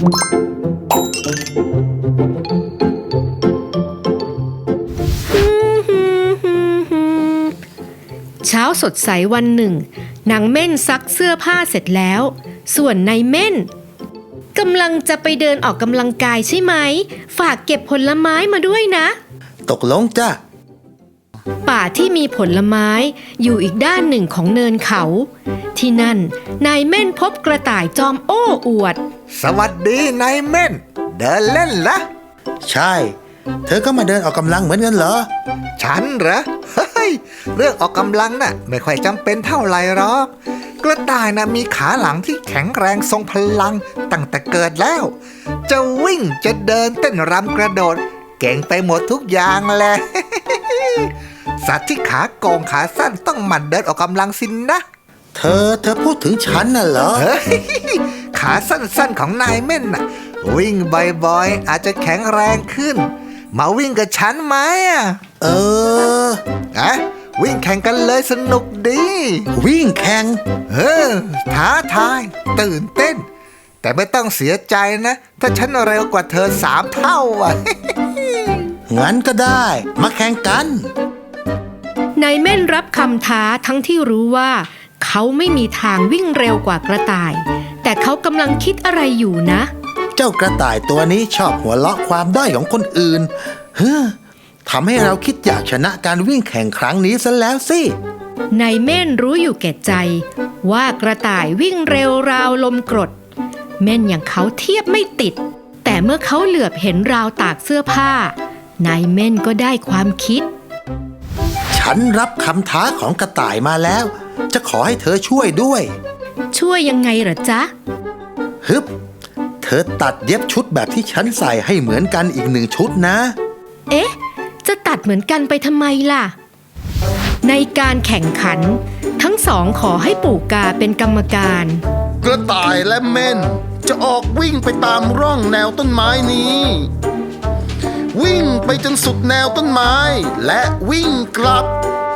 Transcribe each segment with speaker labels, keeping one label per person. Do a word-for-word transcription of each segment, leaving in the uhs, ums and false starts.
Speaker 1: เช้าสดใสวันหนึ่งนางเม่นซักเสื้อผ้าเสร็จแล้วส่วนนายเม่นกำลังจะไปเดินออกกำลังกายใช่ไหมฝากเก็บผลไม้มาด้วยนะ
Speaker 2: ตกลงจ้ะ
Speaker 1: ป่าที่มีผลไม้อยู่อีกด้านหนึ่งของเนินเขาที่นั่นนายเม่นพบกระต่ายจอมโอ้อวด
Speaker 3: สวัสดีนายเม่นเดินเล่นละ
Speaker 2: ใช่เธอก็มาเดินออกกำลังเหมือนกันเหรอ
Speaker 3: ฉันเหรอเฮ้ยเรื่องออกกำลังน่ะไม่ค่อยจำเป็นเท่าไหร่หรอกกระต่ายน่ะมีขาหลังที่แข็งแรงทรงพลังตั้งแต่เกิดแล้วจะวิ่งจะเดินเต้นรำกระโดดเก่งไปหมดทุกอย่างแหละสัตว์ที่ขาโกงขาสั้นต้องหมั่นเดินออกกำลังสินนะ
Speaker 2: เธอเธอพูดถึงฉันน่ะเหรอ
Speaker 3: ขาสั้นๆของนายเม่นน่ะวิ่งบ่อยๆอาจจะแข็งแรงขึ้นมาวิ่งกับฉันไหมอ่ะ
Speaker 2: เออ
Speaker 3: อะวิ่งแข่งกันเลยสนุกดี
Speaker 2: วิ่งแข่ง
Speaker 3: เออท้าทายตื่นเต้นแต่ไม่ต้องเสียใจนะถ้าฉันเร็วกว่าเธอสามเท่าอ่ะ
Speaker 2: งั้นก็ได้มาแข่งกัน
Speaker 1: นายเม่นรับคำท้าทั้งที่รู้ว่าเขาไม่มีทางวิ่งเร็วกว่ากระต่ายแต่เขากำลังคิดอะไรอยู่นะ
Speaker 2: เจ้ากระต่ายตัวนี้ชอบหัวเราะความด้อยของคนอื่นเฮ้อทำให้เราคิดอยากชนะการวิ่งแข่งครั้งนี้ซะแล้วสิ
Speaker 1: นายเม่นรู้อยู่แก่ใจว่ากระต่ายวิ่งเร็วราวลมกรดเม่นอย่างเขาเทียบไม่ติดแต่เมื่อเขาเหลือบเห็นราวตากเสื้อผ้านายเม่นก็ได้ความคิด
Speaker 2: ฉันรับคำท้าของกระต่ายมาแล้วจะขอให้เธอช่วยด้วย
Speaker 1: ช่วยยังไงเหรอจ๊ะ
Speaker 2: ฮึบเธอตัดเย็บชุดแบบที่ฉันใส่ให้เหมือนกันอีกหนึ่งชุดนะ
Speaker 1: เอ๊ะจะตัดเหมือนกันไปทำไมล่ะในการแข่งขันทั้งสองขอให้ปู่กาเป็นกรรมการ
Speaker 4: กระต่ายและเม่นจะออกวิ่งไปตามร่องแนวต้นไม้นี้วิ่งไปจนสุดแนวต้นไม้และวิ่งกลับ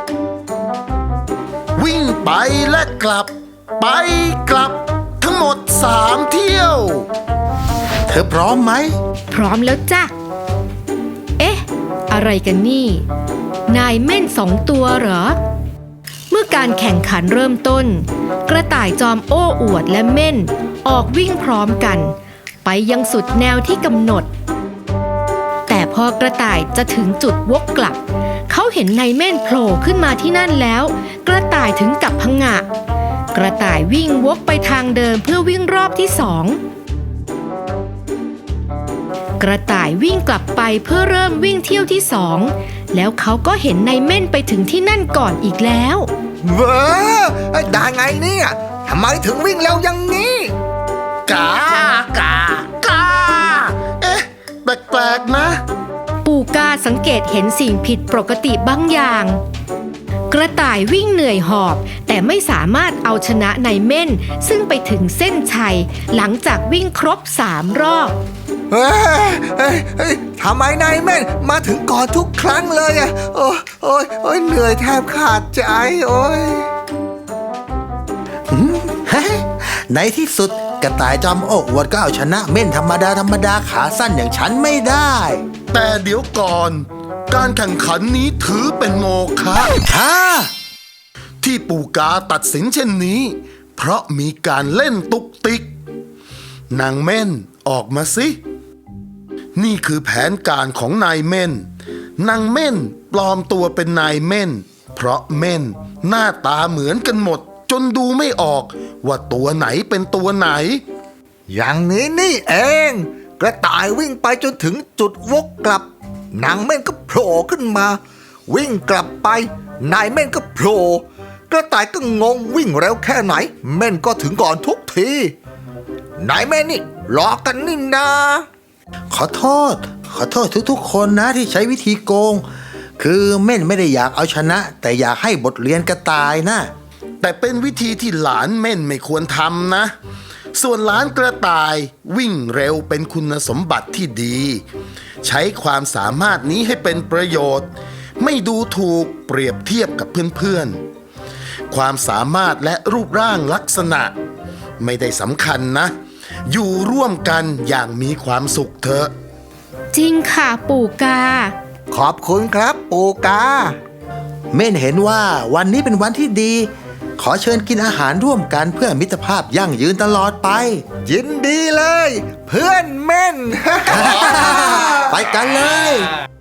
Speaker 4: วิ่งไปและกลับไปกลับทั้งหมดสามเที่ยว
Speaker 2: เธอพร้อมไหม
Speaker 1: พร้อมแล้วจ้ะเอ๊ะอะไรกันนี่นายเม่นสองตัวเหรอเมื่อการแข่งขันเริ่มต้นกระต่ายจอมโอ้อวดและเม่นออกวิ่งพร้อมกันไปยังสุดแนวที่กำหนดแต่พอกระต่ายจะถึงจุดวกกลับเขาเห็นนายเม่นโผล่ขึ้นมาที่นั่นแล้วกระต่ายถึงกับผงะกระต่ายวิ่งวกไปทางเดิมเพื่อวิ่งรอบที่สองกระต่ายวิ่งกลับไปเพื่อเริ่มวิ่งเที่ยวที่สองแล้วเขาก็เห็นนายเม่นไปถึงที่นั่นก่อนอีกแล้ว
Speaker 3: เว้อได้ไงเนี่ยทำไมถึงวิ่งเร็วอย่างนี้
Speaker 4: กากากาเอ๊ะแปลกๆนะ
Speaker 1: ปู่กาสังเกตเห็นสิ่งผิดปกติบางอย่างกระต่ายวิ่งเหนื่อยหอบแต่ไม่สามารถเอาชนะนายเม่นซึ่งไปถึงเส้นชัยหลังจากวิ่งครบสามรอบ
Speaker 3: เฮ้ยเฮ้ยเฮ้ยทำไมนายเม่นมาถึงก่อนทุกครั้งเลยอ่ะโอ้ยโอ้ยโอ้ยเหนื่อยแทบขาดใจโอ้ย
Speaker 2: ในที่สุดกระต่ายจอมโอ้อวดก็เอาชนะเม่นธรรมดาธรรมดาขาสั้นอย่างฉันไม่ได้
Speaker 4: แต่เดี๋ยวก่อนการแข่งขันนี้ถือเป็นโมฆะ
Speaker 2: ฮ่า
Speaker 4: ที่ปู่กาตัดสินเช่นนี้เพราะมีการเล่นตุกติกนางเม่นออกมาสินี่คือแผนการของนายเม่นนางเม่นปลอมตัวเป็นนายเม่นเพราะเม่นหน้าตาเหมือนกันหมดจนดูไม่ออกว่าตัวไหนเป็นตัวไหน
Speaker 3: อย่างนี้นี่เองกระต่ายวิ่งไปจนถึงจุดวกกลับนางเม่นก็โผล่ขึ้นมาวิ่งกลับไปนายเม่นก็โผล่กระต่ายก็งงวิ่งเร็วแค่ไหนเม่นก็ถึงก่อนทุกทีนายเม่นนี่หลอกกันนี่นา
Speaker 2: ขอโทษขอโทษทุกๆคนนะที่ใช้วิธีโกงคือเม่นไม่ได้อยากเอาชนะแต่อยากให้บทเรียนกระต่ายนะ
Speaker 4: แต่เป็นวิธีที่หลานเม่นไม่ควรทำนะส่วนหลานกระต่ายวิ่งเร็วเป็นคุณสมบัติที่ดีใช้ความสามารถนี้ให้เป็นประโยชน์ไม่ดูถูกเปรียบเทียบกับเพื่อนๆความสามารถและรูปร่างลักษณะไม่ได้สำคัญนะอยู่ร่วมกันอย่างมีความสุขเถอะ
Speaker 1: จริงค่ะปู่กา
Speaker 3: ขอบคุณครับปูกา
Speaker 2: เม่นเห็นว่าวันนี้เป็นวันที่ดี ขอเชิญกินอาหารร่วมกันเพื่อมิตรภาพยั่งยืนตลอดไป
Speaker 3: ยินดีเลย เพื่อนเม่น
Speaker 2: ไปกันเลย